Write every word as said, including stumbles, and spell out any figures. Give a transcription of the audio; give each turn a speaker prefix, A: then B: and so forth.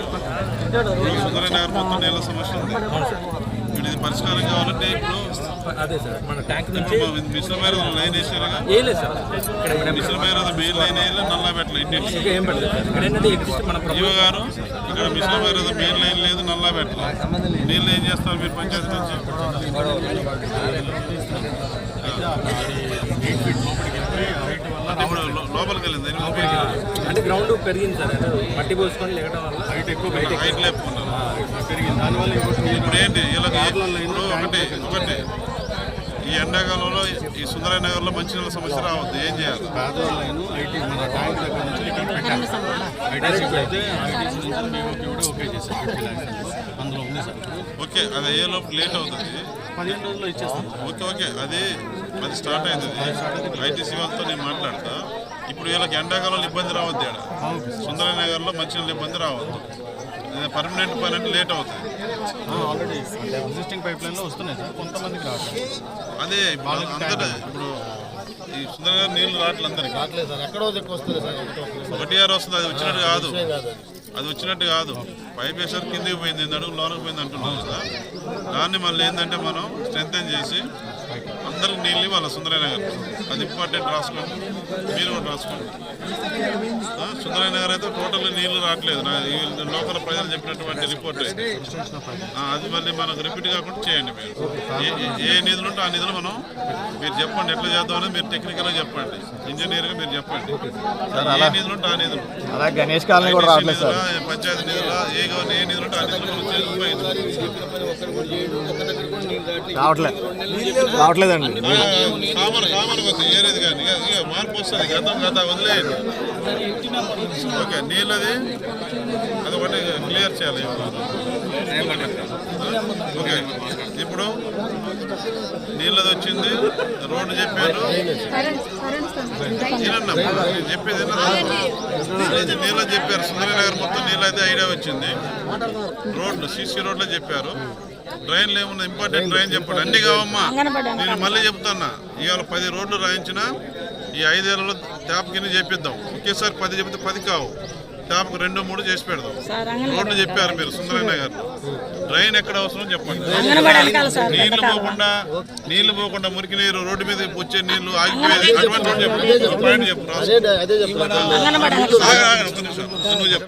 A: సుందరనగర్ మొత్తం నీళ్ళ సమస్య ఉంది. ఇది పరిష్కారం కావాలంటే ఇప్పుడు
B: అదే సార్ మన ట్యాంక్ నుంచి
A: మిషన్ మీద లైన్ వేసారుగా
B: వేయలేదు సార్. ఇక్కడ
A: మిషన్ మీద మెయిన్ లైన్ వేయాలి, నల్లా పెట్టలేదు ఇంటి
B: ఏం పెట్టలేదు సార్. ఇక్కడ ఏంటంటే ఎగ్జిస్ట్ మన
A: జీవ గారు ఇక్కడ మిషన్ మీద మెయిన్ లైన్ లేదు, నల్లా పెట్టలేదు. నీళ్ళు ఏం చేస్తారు మీరు పంచాయతీ నుంచి? ఇప్పుడు లోపలికి వెళ్ళింది
B: అంటే గ్రౌండ్ పెరిగింది సార్. అంటే మట్టి పోసుకొని లేకడం వల్ల హైట్ ఎక్కువ
A: హైట్ లేపుకున్నారు. ఇప్పుడు ఏంటి వీళ్ళకి ఇప్పుడు ఒకటి ఒకటి ఈ ఎండాకాలంలో ఈ సుందరనగర్లో మంచినీళ్ళ సమస్య రావద్దు, ఏం చేయాలి?
C: పేదవాళ్ళను ఐటీ మన ట్యాంక్ దగ్గర నుంచి ఇక్కడ పెట్టాలి. ఐటీసీకి అయితే ఐటీసీ నుంచి మేము కూడా ఓకే చేసాం. ఫిఫ్టీ ల్యాక్స్ అందులో ఉంది సార్.
A: ఓకే, అది ఏ లోపు లేట్ అవుతుంది,
C: పదిహేను రోజుల్లో ఇచ్చేస్తాం.
A: ఓకే ఓకే అది అది స్టార్ట్ అవుతుంది. ఐటీసీ వాళ్ళతో నేను మాట్లాడతా. ఇప్పుడు వీళ్ళకి ఎండాకాలంలో ఇబ్బంది రావద్దు. ఇక్కడ సుందరనగర్లో మంచినీళ్ళ ఇబ్బంది రావద్దు. పర్మనెంట్ పని అంటే లేట్ అవుతుంది.
C: ఆల్రెడీ ఎగ్జిస్టింగ్ పైప్ లైన్లో వస్తున్నాయి సార్, కొంతమందికి రావట్లేదు.
A: అదే అందరూ ఇప్పుడు ఈ సుందరనగర్ నీళ్ళు రావట్లేదు అందరికి.
D: రావట్లేదు సార్, ఎక్కడో దిక్కు వస్తుంది సార్.
A: ఒకటి ఆరు వస్తుంది, అది వచ్చినట్టు కాదు, అది వచ్చినట్టు కాదు. పైప్ వేసారు కిందికి పోయింది, అడుగు లోనకి పోయింది అంటున్నాం కదా. దాన్ని మళ్ళీ ఏంటంటే మనం స్ట్రెంథెన్ చేసి అందరికి నీళ్ళు ఇవ్వాలి సుందరనగర్. అది ఇంపార్టెంట్, రాసుకోండి, మీరు కూడా రాసుకోండి. సుందరనగర్ అయితే టోటల్ నీళ్లు రావట్లేదు. లోకల్ ప్రజలు చెప్పినటువంటి రిపోర్ట్ అది మళ్ళీ మనకు రిపీట్ కాకుండా చేయండి. మీరు ఏ నిధులు ఉంటే ఆ నిధులు మనం మీరు చెప్పండి, ఎట్లా చేద్దాం అనేది మీరు టెక్నికల్గా చెప్పండి, ఇంజనీర్గా మీరు చెప్పండి. ఏ నిధులు ఉంటే ఆ నిధులు,
D: గణేష్ కాలనీ కూడా రావట్లేదు సార్.
A: పంచాయతీ నిధులు ఏ ఏ నిధులు ఉంటే ఆ నిధులు మనం
D: రావట్లేదు రావట్లేదండి.
A: కామన్ కామన్ కొద్ది ఏరేది కానీ ఇక మార్పు వస్తుంది. గతం గత వదిలేయండి. ఓకే, నీళ్ళది అది ఒకటి క్లియర్ చేయాలి. ఓకే, ఇప్పుడు నీళ్ళది వచ్చింది, రోడ్డు చెప్పారు. చెప్పేది నీళ్ళది చెప్పారు. సుందరనగర్ మొత్తం నీళ్ళైతే ఐడియా వచ్చింది. రోడ్లు సీసీ రోడ్లో చెప్పారు. డ్రైన్లు ఏమున్నా ఇంపార్టెంట్ డ్రైన్ చెప్పండి. అన్ని కావమ్మా, నేను మళ్ళీ చెప్తున్నా. ఇవాళ పది రోడ్లు రాయించిన ఈ ఐదేళ్లలో ట్యాప్ కింద చేపిద్దాం. ఒకేసారి పది చెప్తే పది కావు, ట్యాప్కి రెండు మూడు చేసి పెడదాం. రోడ్లు చెప్పారు మీరు సుందరనగర్. డ్రైన్ ఎక్కడ అవసరం చెప్పండి. నీళ్లు పోకుండా నీళ్లు పోకుండా మురికి నీరు రోడ్డు మీద వచ్చే నీళ్లు ఆగిపోయేది అటువంటి రోడ్డు చెప్పు. పాయింట్ చెప్పు, నువ్వు చెప్పు.